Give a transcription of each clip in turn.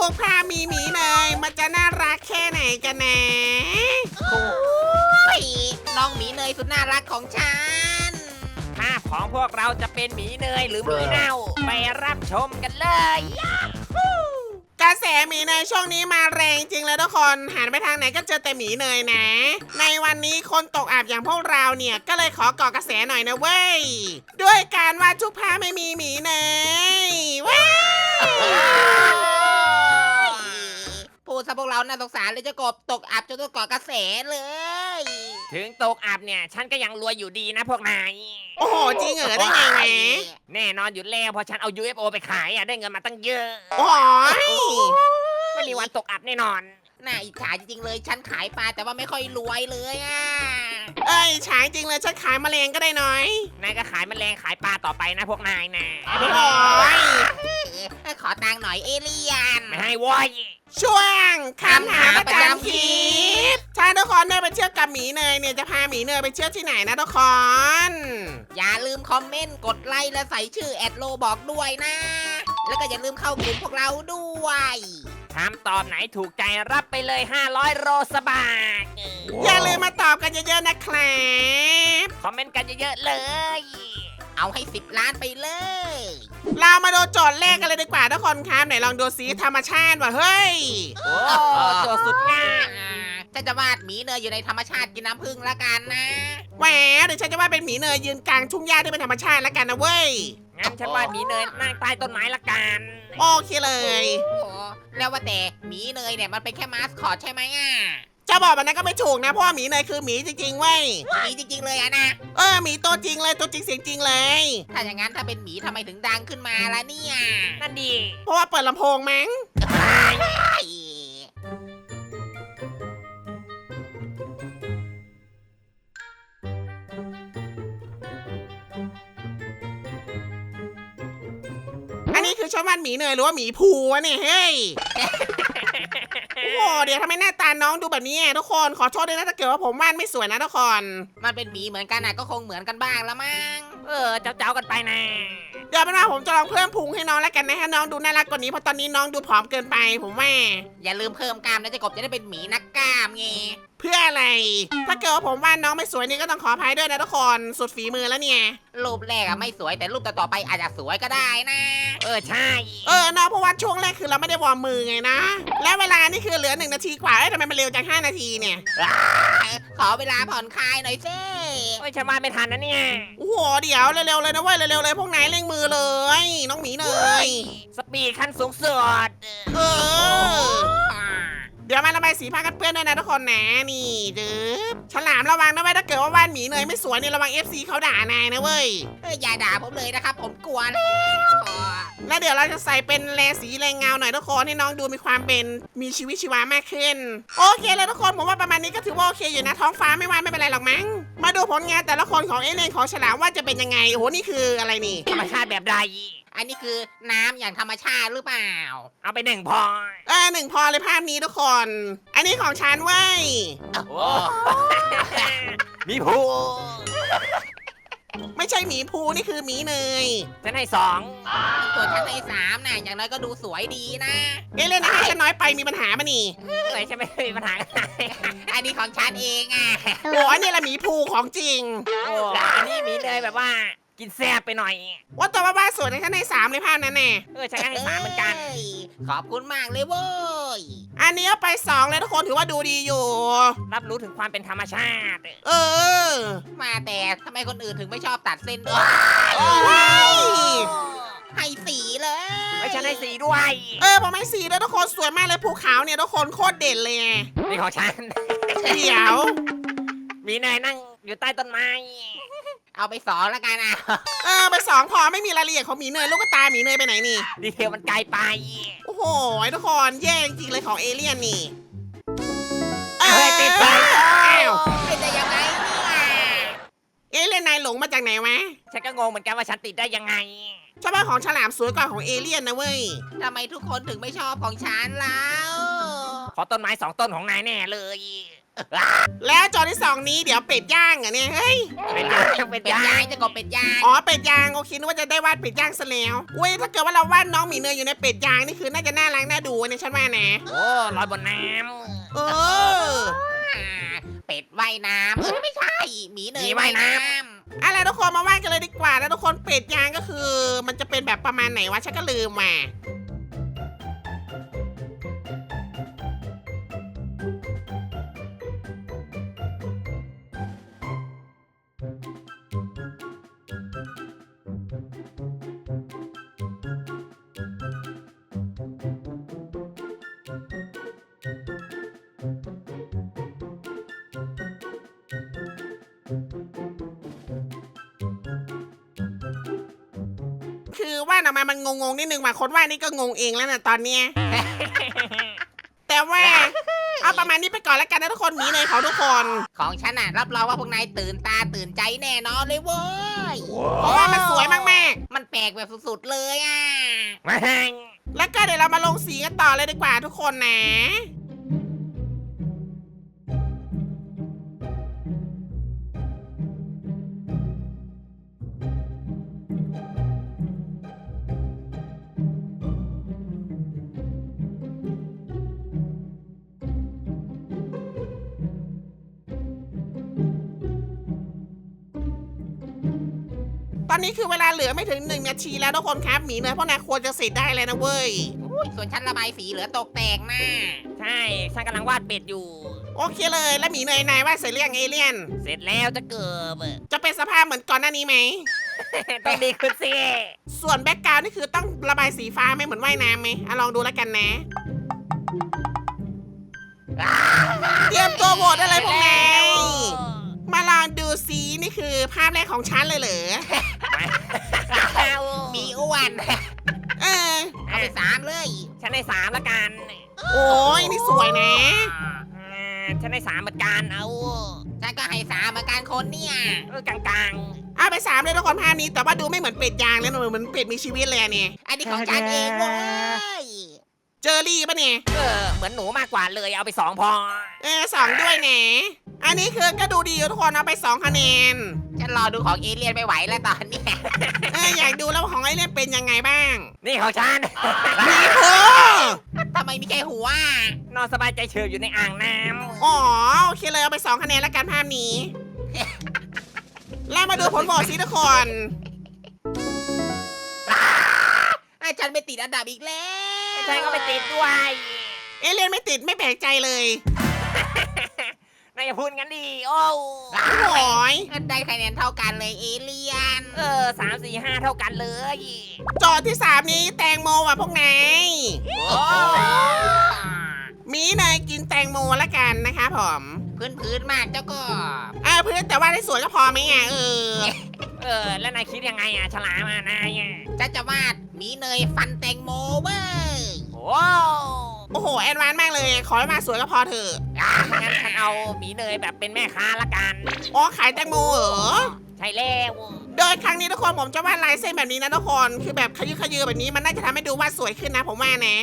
กภาพมีหมีเนยมันจะน่ารักแค่ไหนกันนะโอ้ยน้องหมีเนยสุดน่ารักของฉันภาพของพวกเราจะเป็นหมีเนยหรือหมีเน่าไปรับชมกันเลยกระแสหมีเนยช่วงนี้มาแรงจริงเลยทุกคนหันไปทางไหนก็เจอแต่หมีเนยนะ ในวันนี้คนตกอับอย่างพวกเราเนี่ยก็เลยขอก่อกระแสหน่อยนะเว้ยด้วยการวาดทุกภาพไม่มีหมีเนยว้าวพูดซะพวกเราน่าสงสารเลยเจ้ากบตกอับจนต้องก่อกระแสเลยถึงตกอับเนี่ยฉันก็ยังรวยอยู่ดีนะพวกนายโอ้โหจริงเหรอได้ไงแหมแน่นอนอยู่แล้วเพอฉันเอา UFO ไปขายได้เงินมาตั้งเยอะโอ้ยไม่มีวันตกอับแน่นอนน่าอิจฉาจริงๆเลยฉันขายปลาแต่ว่าไม่ค่อยรวยเลยอ่ะเอ้ยฉายจริงเลยฉันขายแมลงก็ได้น้อยนายก็ขายแมลงขายปลาต่อไปนะพวกนายนะโอ้ยขอตังค์หน่อยเอเลี่ยนไม่ให้โว้ยช่วงคำถามประจำคลิปถ้าทุกคนได้ไปเชื่อกับหมีเนยเนี่ยจะพาหมีเนยไปเชื่อที่ไหนนะทุกคนอย่าลืมคอมเมนต์กดไลค์และใส่ชื่อแอดโลบอกด้วยนะ แล้วก็อย่าลืมเข้ากลุ่มพวกเราด้วยถามตอบไหนถูกใจรับไปเลย500โรสบาทอย่าลืมมาตอบกันเยอะๆนะครับคอมเมนต์กันเยอะๆเลยเอาให้10 ล้านไปเลยเรามาดูโจทย์แรกกันเลยดีกว่าทุกคนครับไหนลองดูสีธรรมชาติว่ะเฮ้ยโอ้โจทย์สุดง่ายฉันจะวาดหมีเนยอยู่ในธรรมชาติกินน้ำผึ้งละกันนะแหวเดี๋ยวฉันจะว่าเป็นหมีเนยยืนกลางทุ่งหญ้าที่เป็นธรรมชาติแล้วกันนะเว้ยงั้นฉันว่าหมีเนยนั่งใต้ต้นไม้ละกันโอเคเลยโอ้แล้วว่าแต่หมีเนยเนี่ยมันเป็นแค่มาสคอตใช่ไหมอ่ะจะบอกแบบนั้นก็ไม่ถูกนะเพราะว่าหมีเนยคือหมีจริงๆเว้ยหมีจริงๆเลยอะนะหมีตัวจริงเลยตัวจริงเสียงจริงเลยถ้าอย่างนั้นถ้าเป็นหมีทำไมถึงดังขึ้นมาล่ะเนี่ยนั่นดีเพราะว่าเปิดลำโพงมั้ง อันนี้คือชอบวาดหมีเนยหรือว่าหมีภูวะเนี่ยเฮ้ย โอ้โหเดี๋ยวทำไมหน้าตาน้องดูแบบนี้ทุกคนขอโทษด้วยนะถ้าเกิดว่าผมวาดไม่สวยนะทุกคนมันเป็นหมีเหมือนกันนะก็คงเหมือนกันบ้างละมั้งเจ้ากันไปนะเดี๋ยวเป็นว่าผมจะลองเพิ่มพุงให้น้องแล้วกันนะให้น้องดูน่ารักกว่านี้เพราะตอนนี้น้องดูผอมเกินไปผมว่าอย่าลืมเพิ่มกล้ามนะเจะกบจะได้เป็นหมีนักกล้ามไงเพื่ออะไร ถ้าเกิดว่าผมวาดน้องไม่สวยนี่ก็ต้องขออภัยด้วยนะทุกคนสุดฝีมือแล้วเนี่ยรูปแรกอะไม่สวยแต่รูปต่อๆไปอาจจะสวยก็ได้นะใช่น้องเพราะว่าช่วงแรกคือเราไม่ได้วอร์มมือไงนะ แล้วเวลานี่คือเหลือ1 นาทีกว่าทำไมมันเร็วจัง5 นาทีเนี่ยขอเวลาผ่อนคลายหน่อยสิฉันว่าไม่ทันนะเนี่ยโอ้โหเดี๋ยวเร็วๆเลยนะเว้ยเร็วๆเลยพวกนายเร่งมือเลย น้องหมีเนยสปีดขั้นสูงสุดเออ เดี๋ยวมาระบายสีผ้ากันเปื้อนด้วยนะทุกคนนะนี่ดื้อฉลามระวังนะเว้ยถ้าเกิดว่าวาดหมีเนยไม่สวยนี่ระวัง FC เขาด่านายนะเว้ยอย่าด่าผมเลยนะครับผมกลัวแล้วแล้วเดี๋ยวเราจะใส่เป็นแลสีแรงเงาหน่อยทุกคนให้น้องดูมีความเป็นมีชีวิตชีวามากขึ้น โอเคเลยทุกคนผมว่าประมาณนี้ก็ถือว่าโอเคอยู่นะท้องฟ้าไม่ว่าไม่เป็นไรหรอกมั้งมาดูผลงานแต่ละคนของเอเลนของฉลามว่าจะเป็นยังไงโอ้โหนี่คืออะไรนี่ธรรมชาติแบบใดอันนี้คือน้ำอย่างธรรมชาติหรือเปล่าเอาไป1พอ 1 พอเลยภาพนี้ทุกคน อันนี้ของฉันเว้ยโอ้ มีผูไม่ใช่หมีภูนี่คือหมีเนยฉันให้2 ส่วนชั้นใน3น่ะอย่างน้อยก็ดูสวยดีนะเอเลนนะให้ฉันน้อยไปมีปัญหาปะนี่ฉันไม่มีปัญหากันอันนี้ของฉันเองอ่ะโอ้อันนี้แหละหมีภูของจริงอันนี้มีเลยแบบว่ากินแซ่บไปหน่อยว่าตัวบ้าๆสวยในฉันใน3เลยภาพนั้นแน่ฉันก็ให้3เหมือนกันขอบคุณมากเลยเว้ยอันนี้เอาไป2เลยทุกคนถือว่าดูดีอยู่รับรู้ถึงความเป็นธรรมชาติเออมาแต่ทำไมคนอื่นถึงไม่ชอบตัดเส้นด้วยว้ายให้สีเลยฉันให้4ด้วยผมให้สีด้วยทุกคนสวยมากเลยภูเขาเนี่ยทุกคนโคตรเด่นเลยไงนี่ของฉันเดี๋ยวมีนายนั่งอยู่ใต้ต้นไม้เอาไป2แล้วกันอ่ะไป2พอไม่มีรายละเอียดของหมีเนยลูกตาหมีเนยไปไหนนี่ดีเทลมันไกลไปโอ้โหทุกคนแย่จริงๆเลยของเอเลี่ยนนี่ติดไปอ้าวเป็นได้ยังไงเนี่ยเอเลี่ยนนายหลงมาจากไหนวะฉันก็งงเหมือนกันว่าฉันติดได้ยังไงชอบว่าของฉลามสวยกว่าของเอเลี่ยนนะเว้ยทำไมทุกคนถึงไม่ชอบของฉันแล้วขอต้นไม้2 ต้นของนายแน่เลยแล้วจอที่ 2นี้เดี๋ยวเป็ดย่างเหรอเนี่ยเฮ้ยเป็นย่างเป็นเป็ดย่าย่างงจะกบเป็ดย่างอ๋อเป็ดย่างโอเคนึกว่าจะได้วาดเป็ดย่างซะแล้วอุ้ยถ้าเกิดว่าเราวาดน้องหมีเนยอยู่ในเป็ดย่างนี่คือน่าจะน่ารักน่าดูเนี่ยฉันว่านะโอ้ลอยบนน้เออเป็ดว่ายน้ำไม่ใช่หมีเนยมีว่ายน้อะไรทุกคนมาวาดกันเลยดีกว่าแล้วทุกคนเป็ดย่างก็คือ มันจะเป็นแบบประมาณไหนวะฉันก็ลืมว่ะ คือวาดออกมามันงงๆนิดนึงว่ะคนวาดนี่ก็งงเองแล้วนะตอนเนี้ย แต่ว่าเอาประมาณนี้ไปก่อนแล้วกันนะทุกคนหมีเนยของทุกคนของฉันน่ะรับรองว่าพวกนายตื่นตาตื่นใจแน่นอนเลยเว้ยเพราะว่ามันสวยมากมันแปลกแบบสุดๆเลยอ่ะำมาแหงๆ แล้วก็เดี๋ยวเรามาลงสีกันต่อเลยดีกว่าทุกคนนะ ตอนนี้คือเวลาเหลือไม่ถึง1 นาทีแล้วทุกคนครับหมีเนยพวกนายควรจะเสร็จได้เลยนะเว้ยส่วนฉันระบายสีเหลือตกแต่งนะใช่ฉันกำลังวาดเป็ดอยู่โอเคเลยแล้วหมีเนยนายว่าเสร็จเรื่องเอเลี่ยนเสร็จแล้วจะเกิบจะเป็นสภาพเหมือนก่อนหน้านี้ไหมต้องดีขึ้นสิส่วนแบ็กกราวด์นี่คือต้องระบายสีฟ้าไหมเหมือนว่ายน้ำไหมลองดูแล้วกันนะ เตรียมตัวโหวตได้เลยพวกนายมาลองดูสีนี่คือภาพแรกของฉันเลยเหรอมีอ้วนเออเอาไป3เลยฉันได้3ละกันโอ้ยนี่สวยนะฉันได้3เหมือนกันเอาฉันก็ให้3เหมือนกันคนเนี่ยกลางเอาไป3เลยทุกคนภาพนี้แต่ว่าดูไม่เหมือนเป็ดยางเลยนะเหมือนเป็ดมีชีวิตเลยอะเนี่ยอันนี้ของฉันเองเว้ยเจอรี่ปะเนี่ยเหมือนหนูมากกว่าเลยเอาไป2พอ 2ด้วยนะอันนี้คือก็ดูดีอยู่ทุกคนเอาไป2 คะแนนฉันรอดูของเอเลี่ยนไม่ไหวแล้วตอนเนี้ยอยากดูแล้วของไอเล่นเป็นยังไงบ้างนี่ของฉันนี่โอ้ทำไมมีแค่หัวนอนสบายใจเฉยอยู่ในอ่างน้ำอ๋อโอเคเลยเอาไป2 คะแนนแล้วกันภาพนี้ แล้วมาดูผลโหวตสิทุกคนฉันไปติดอันดับอีกแล้วฉันก็ไปติดด้วยเอเลี่ยนไม่ติดไม่แปลกใจเลยนายอย่าพูดงั้นดิโอ้โอ้ยได้คะแนนเท่ากันเลยเอเลี่ยน 3 4 5 เท่ากันเลยโจทย์ที่ 3 นี้แตงโมว่ะพวกนายโอ้มีเนยกินแตงโมละกันนะคะผมพื้นมากเจ้าก็พื้นแต่ว่าได้สวยก็พอไหมแล้วนายคิดยังไงฉลามนายฉันจะวาดหมีเนยฟันแตงโมเว้ยโอ้โหแอดวานซ์มากเลยขอให้มาสวยก็พอเถอะงั้นฉันเอาหมีเนยแบบเป็นแม่ค้าละกันอ๋อขายแตงโมเหรอใช่แล้วโดยครั้งนี้ทุกคนผมจะวาดลายเส้นแบบนี้นะทุกคนคือแบบขยือขยือแบบนี้มันน่าจะทำให้ดูวาดสวยขึ้นนะผมว่านะ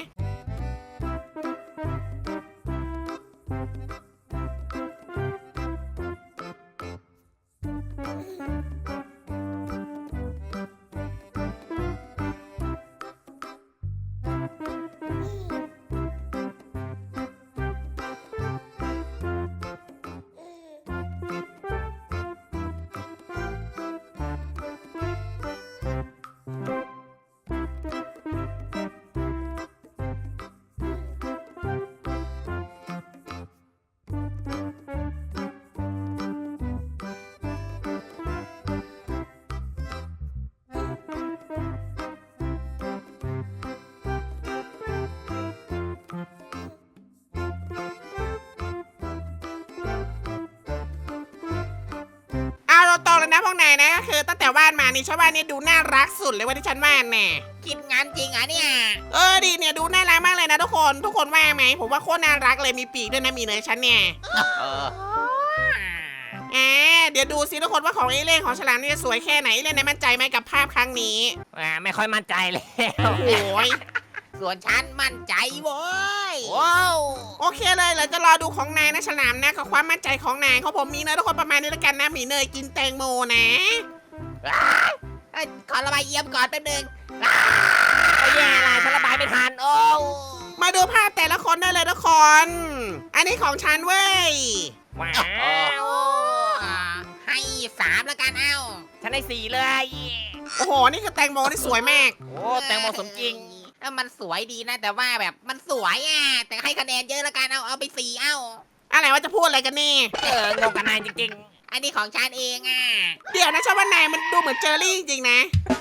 เอาเราตรงเลยนะพวกนายนะก็คือตั้งแต่วาดมานี่ฉันว่านี่ดูน่ารักสุดเลยว่าที่ฉันวาดแน่คิดงานจริงอ่ะเนี่ยดีเนี่ยดูน่ารักมากเลยนะทุกคนว่าไหมผมว่าโคตรน่ารักเลยมีปีกด้วยนะมีเนยฉันเนี่ยเดี๋ยวดูสิทุกคนว่าของเอเล่นของฉลามนี่จะสวยแค่ไหนเอเล่นได้มั่นใจไหมกับภาพครั้งนี้ไม่ค่อยมั่นใจเลยโอ้โหส่วนฉันมั่นใจเว้ยว้าวโอเคเลยเราจะรอดูของนายนะฉลามนะกับความมั่นใจของนายของผมมีเนยทุกคนประมาณนี้แล้วกันนะหมีเนยกินแตงโมนะขอระบายเยี่ยมก่อนแป๊บนึงโอ้ยแย่ละฉันระบายไม่ทัน โอ้มาดูภาพแต่ละคนได้เลยทุกคน อันนี้ของฉันเว้ยว้าโอ้วให้3แล้วกันเอ้าฉันได้4เลยโอ้โหนี่คือแตงโมที่สวยมากโอ้แตงโมสมจริงมันสวยดีนะ แต่ว่าแบบมันสวยแต่ให้คะแนนเยอะแล้วกันเอาไป4เอ้าอะไรว่าจะพูดอะไรกันนี่งงกับนายจริงอันนี้ของฉันเองเดี๋ยวนะชอบว่านายมันดูเหมือนเจอรี่จริงๆนะ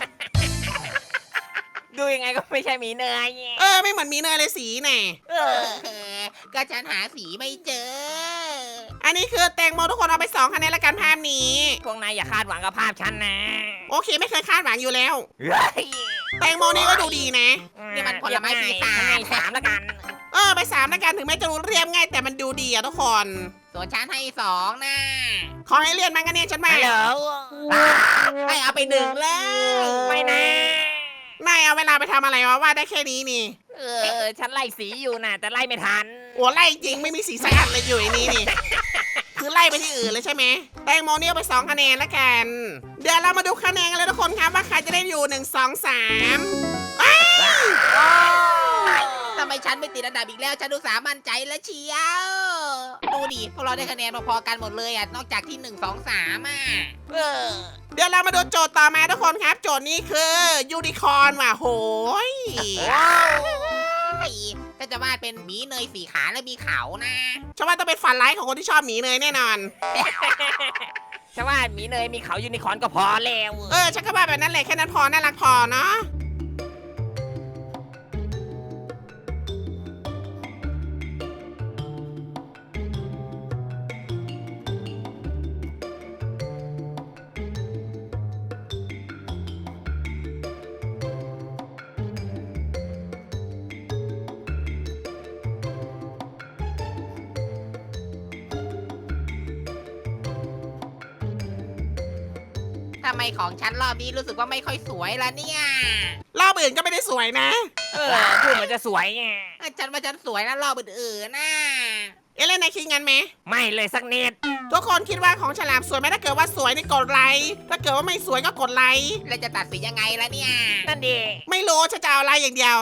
ๆ ดูยังไงก็ไม่ใช่หมีเนยไม่เหมือนหมีเนยเลยสีน่ะเออก็ฉันหาสีไม่เจออันนี้คือแตงโมทุกคนเอาไป2คะแนนแล้วกันภาพนี้พวกนายอย่าคาดหวังกับภาพฉันนะโอเคไม่เคยคาดหวังอยู่แล้วเฮ้ยแตงโมนี่ก็ดูดีนะนี่มันผลไม้ปีศาจฉันให้3แล้วกันไป3แล้วกันถึงแม้จะรู้เรียบง่ายแต่มันดูดีอะทุกคนส่วนฉันให้2นะขอให้เรียนมันกันเนี่ยฉันมาฮัลโหลให้เอาไป1แล้วไม่นะนายเอาเวลาไปทำอะไรวะว่าได้แค่นี้นี่ฉันไล่สีอยู่นะแต่ไล่ไม่ทันโอ้ไล่จริงไม่มีสีสักอันเลยอยู่ในนี้นี่ คือไล่ไปที่อื่นเลยใช่ไหมแตงโมเนี่ยเอาไป2คะแนนแล้วกัน เดี๋ยวเรามาดูคะแนนกันเลยทุกคนครับว่าใครจะได้อยู่1 2 3อ้าวทำไมฉันไม่ติดอันดับอีกแล้ว ฉันดูสามั่นใจแล้วเชียว ดูดิพวกเราได้คะแนนพอๆกันหมดเลยนอกจากที่1 2 3 เออเดี๋ยวเรามาดูโจทย์ต่อมาทุกคนครับ โจทย์นี้คือยูนิคอร์นว่ะโหยก็จะวาดเป็นหมีเนย4 ขาและมีเขานะฉันว่าต้องเป็นฝันร้ายของคนที่ชอบหมีเนยแน่นอนฉันว่าหมีเนยมีเขายูนิคอร์นก็พอแล้วฉันก็ว่าแบบนั้นแหละแค่นั้นพอน่ารักพอเนาะทำไมของฉันรอบนี้รู้สึกว่าไม่ค่อยสวยละเนี่ยรอบอื่นก็ไม่ได้สวยนะพูดเหมือนจะสวยไงฉันว่าฉันสวยนะรอบอื่นๆนะเล่นในคิดงั้นไหมไม่เลยสักนิดทุกคนคิดว่าของฉลามสวยไหมถ้าเกิดว่าสวยนี่กดไลค์ถ้าเกิดว่าไม่สวยก็กดไลค์แล้วจะตัดสินยังไงล่ะเนี่ยนั่นดีไม่รู้ฉันจะเอาไลค์อย่างเดียว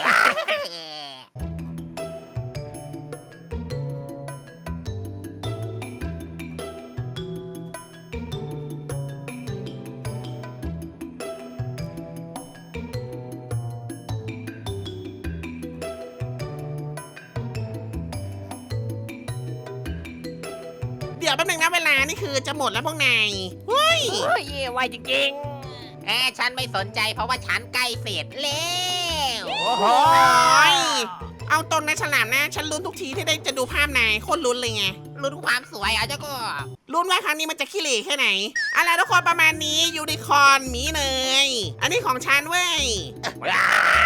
เดี๋ยวแป๊บนึงนะเวลานี่คือจะหมดแล้วพวกนายเฮ้ยโอ้ยไวจริงฉันไม่สนใจเพราะว่าฉันใกล้เสร็จแล้วๆ โอ้โหย เอาตรงนะฉลามนะ ฉันลุ้นทุกทีที่ได้จะดูภาพนายโคตรลุ้นเลยไงรู้ทุกความสวยเจ้าก็ลุ้นว่าครั้งนี้มันจะขี้เหร่แค่ไหนอะไรทุกคนประมาณนี้ยูนิคอร์นหมีเนยอันนี้ของฉันเว้ยว้าว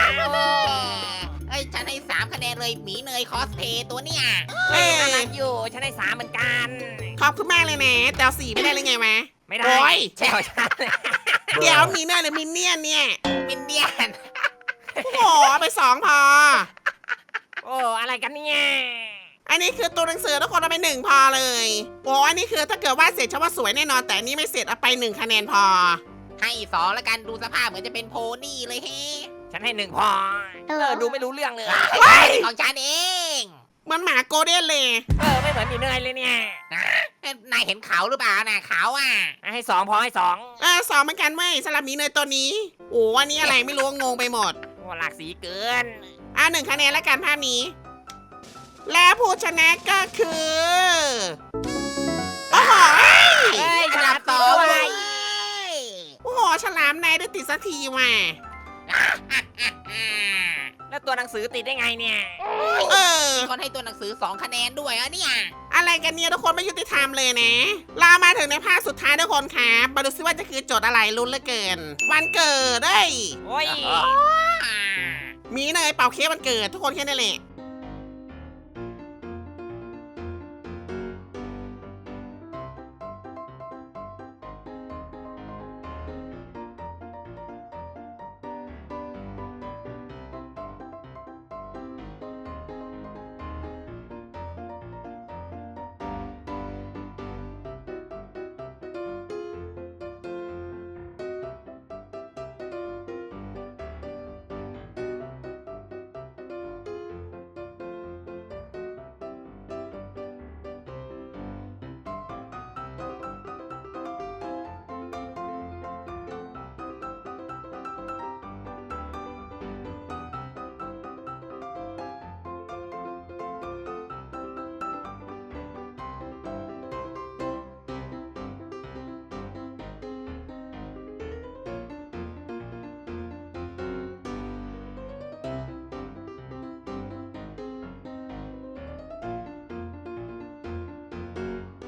ฉันให้3คะแนนเลยหมีเนยคอสเพย์ตัวเนี่ยน่ารักอยู่ ฉันได้3เหมือนกันขอบคุณมากเลยนะแต่เอาสีไม่ได้เลยไงวะไม่ได้โอ้ยใช่ของฉันเดี๋ยวหมีเนยหรือมินเนี่ยนเนี่ยมินเดียนโอ้โหเอาไป2พอโอ้ อะไรกันเนี่ยอันนี้คือตัวหนังสือทุกคนเอาไป1พอเลยโอ้อันนี้คือถ้าเกิดว่าเสร็จฉันว่าสวยแน่นอนแต่อันนี้ไม่เสร็จเอาไป1คะแนนพอให้2แล้วกันดูสภาพเหมือนจะเป็นโพนี่เลยเฮ้ฉันให้1พอ ดูไม่รู้เรื่องเลยของฉันเองเหมือนหมาโกลเด้นเลยไม่เหมือนหมีเนยเลยเนี่ยนายเห็นเขาหรือเปล่าน่ะเขาให้2พอให้2 สองเหมือนกันเว้ยสำหรับหมีเนยตัวนี้โอ้อันนี้อะไรไม่รู้งงไปหมดโอ้หลากสีเกิน 1คะแนนแล้วกันภาพนี้ และผู้ชนะก็คือโอ้โหเฮ้ยอัฉนลาดัมบต่ 2 อเลไปยโอ้โหฉลามนายได้ติดสักทีว่ะแล้วตัวหนังสือติดได้ไงเนี่ยเออมีคนให้ตัวหนังสือ2คะแนนด้วยเนี่ยอะไรกันเนี่ยทุกคนไม่ยุติธรรมเลยนะเรามาถึงในภาคสุดท้ายทุกคนครับมาดูซิว่าจะคือโจทย์อะไรลุ้นเหลือเกิน วันเกิดเอ้ยโอ้ยหมีเนยเป่าเค้กวันเกิดทุกคนแค่นั้นแหละ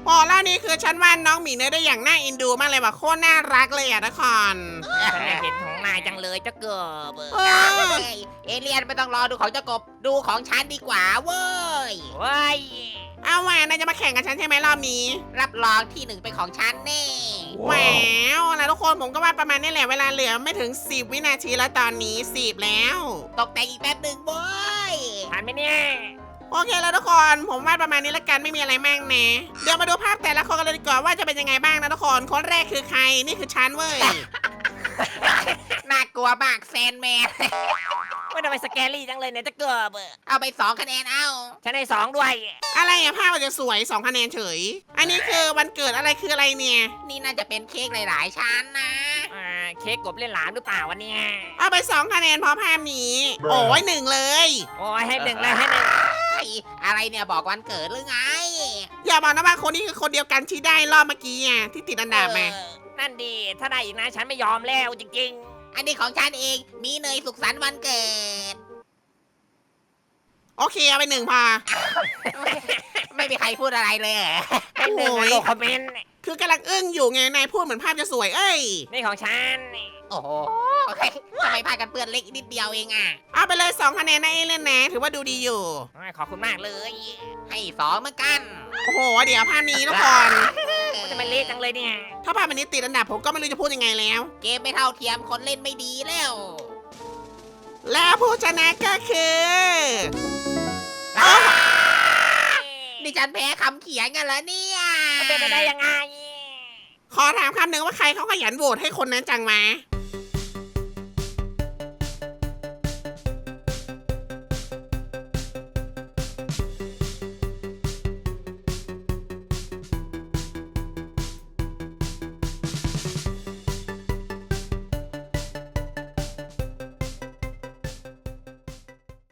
โอ้แล้วนี่คือฉันวาดน้องหมีเนยได้อย่างน่าเอ็นดูมากเลยว่ะโคตรน่ารักเลยอ่ะทุกคนฉันอยากเห็นของนายจังเลยเจ้าเกิบเออเอเลียนไม่ต้องรอดูของเจ้ากบดูของฉันดีกว่าเว้ยเว้ยเอาว่ะนายจะมาแข่งกับฉันใช่ไหมรอบนี้รับรองที่หนึ่งเป็นของฉันแน่แหววนะทุกคนผมก็วาดประมาณนี้แหละเวลาเหลือไม่ถึง10 วินาทีแล้วตอนนี้10แล้วตกแต่งอีกแป๊บหนึ่งเว้ยผ่านไหมเนี่ยโอเคแล้วทุกคนผมวาดประมาณนี้แล้วกันไม่มีอะไรมากนะเดี๋ยวมาดูภาพแต่ละคนกันเลยดีกว่าว่าจะเป็นยังไงบ้างนะทุกคนคนแรกคือใครนี่คือฉันเว้ยน่ากลัวมากแซนแมนไม่ทำไมสแกรี่จังเลยเนี่ยเจ้าเกิบเอาไป2 คะแนนเอาฉันให้2ด้วยอะไรอะภาพมันจะสวย2 คะแนนเฉย อันนี้คือวันเกิดอะไรคืออะไรเนี่ยนี่น่าจะเป็นเค้กหลายๆชั้นนะเค้กกบเล่นหลามหรือเปล่าวันนี้เอาไป2 คะแนนเพราะภาพนี้ โอ้ย1เลยโอ้ยให้1เลยให้1 เฮ้ยอะไรเนี่ยบอกวันเกิดหรือไงอย่าบอกนะว่าคนนี้คือคนเดียวกันที่ได้รอบเมื่อกี้อ่ะที่ติดอันดับมานั่นดีถ้าได้อีกนะฉันไม่ยอมแล้วจริงอันนี้ของฉันเองมีเนยสุขสันต์วันเกิดโอเคเอาไป1พอไม่มีใครพูดอะไรเลยเหรอๆให้1นะโลคอมเมนต์คือกำลังอึ้งอยู่ไงนายพูดเหมือนภาพจะสวยเอ้ยนี่ของฉันโอ้โหโอเคทำไมพากันเปื้อนเล็กนิดเดียวเองอ่ะเอาไปเลย2 คะแนนนะเอเล่นนะถือว่าดูดีอยู่ขอบคุณมากเลยให้2เหมือนกันโอ้โหเดี๋ยวภาพนี้ทุกคนมันจะมาเละจังเลยเนี่ยถ้าภาพอันนี้ติดอันดับผมก็ไม่รู้จะพูดยังไงแล้วเกมไม่เท่าเทียมคนเล่นไม่ดีแล้วแล้วผู้ชนะก็คือดิฉันแพ้คำเขียนกันแล้วเนี่ยมันเป็นไปได้ยังไงขอถามคำหนึ่งว่าใครเขาขยันโหวตให้คนนั้นจังมา